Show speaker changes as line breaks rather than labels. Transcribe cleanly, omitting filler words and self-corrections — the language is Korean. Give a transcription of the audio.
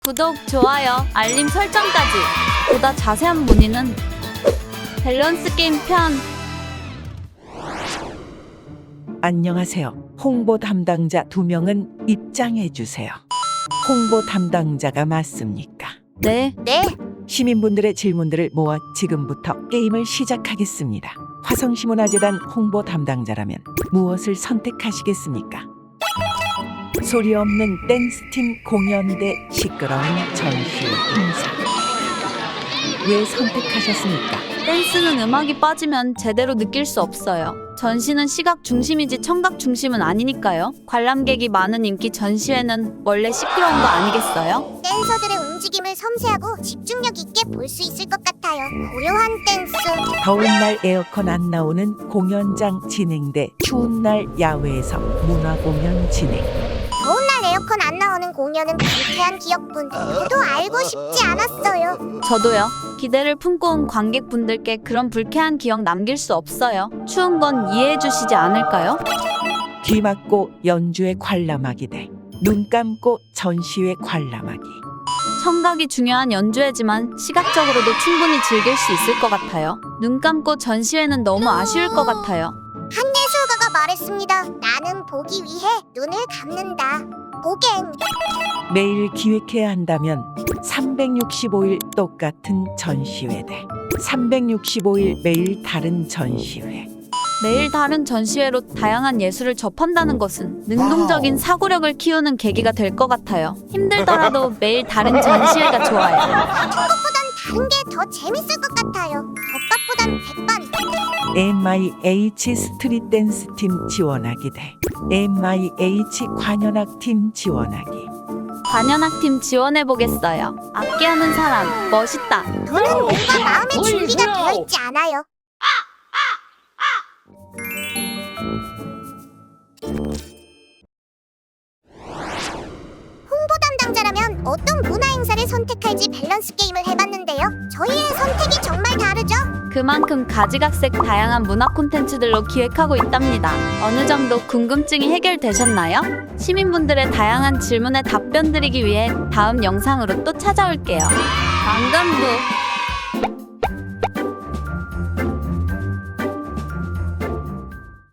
구독, 좋아요, 알림 설정까지. 보다 자세한 문의는 밸런스 게임 편.
안녕하세요. 홍보 담당자 2명은 입장해 주세요. 홍보 담당자가 맞습니까?
네.
시민분들의 질문들을 모아 지금부터 게임을 시작하겠습니다. 화성시문화재단 홍보 담당자라면 무엇을 선택하시겠습니까? 소리 없는 댄스팀 공연 대 시끄러운 전시 행사. 왜 선택하셨습니까?
댄스는 음악이 빠지면 제대로 느낄 수 없어요. 전시는 시각 중심이지 청각 중심은 아니니까요. 관람객이 많은 인기 전시회는 원래 시끄러운 거 아니겠어요?
댄서들의 움직임을 섬세하고 집중력 있게 볼 수 있을 것 같아요. 고요한 댄스.
더운 날 에어컨 안 나오는 공연장 진행 대 추운 날 야외에서 문화 공연 진행.
더운 날 에어컨 안 나오는 공연은 불쾌한 기억뿐. 저도 알고 싶지 않았어요.
저도요. 기대를 품고 온 관객분들께 그런 불쾌한 기억 남길 수 없어요. 추운 건 이해해 주시지 않을까요?
귀 막고 연주회 관람하기 대 눈 감고 전시회 관람하기.
청각이 중요한 연주회지만 시각적으로도 충분히 즐길 수 있을 것 같아요. 눈 감고 전시회는 너무 아쉬울 것 같아요.
한예술가가 말했습니다. 나는 보기 위해 눈을 감는다. 보갱.
매일 기획해야 한다면 365일 똑같은 전시회 대 365일 매일 다른 전시회.
매일 다른 전시회로 다양한 예술을 접한다는 것은 능동적인 사고력을 키우는 계기가 될 것 같아요. 힘들더라도 매일 다른 전시회가 좋아요.
다른 게 더 재밌을 것 같아요. 덮밥보단 100번.
MIH 스트릿 댄스 팀 지원하기 대 MIH 관현악 팀 지원하기.
관현악팀 지원해보겠어요. 악기하는 사람 멋있다.
저는 뭔가 마음의 준비가 되어 있지 않아요. 홍보 담당자라면 어떤 문화 행사를 선택할지 밸런스 게임을 해봤는데요. 저희의 선택이 정말 다르죠?
그만큼 가지각색 다양한 문화 콘텐츠들로 기획하고 있답니다. 어느 정도 궁금증이 해결되셨나요? 시민분들의 다양한 질문에 답변 드리기 위해 다음 영상으로 또 찾아올게요. 만감부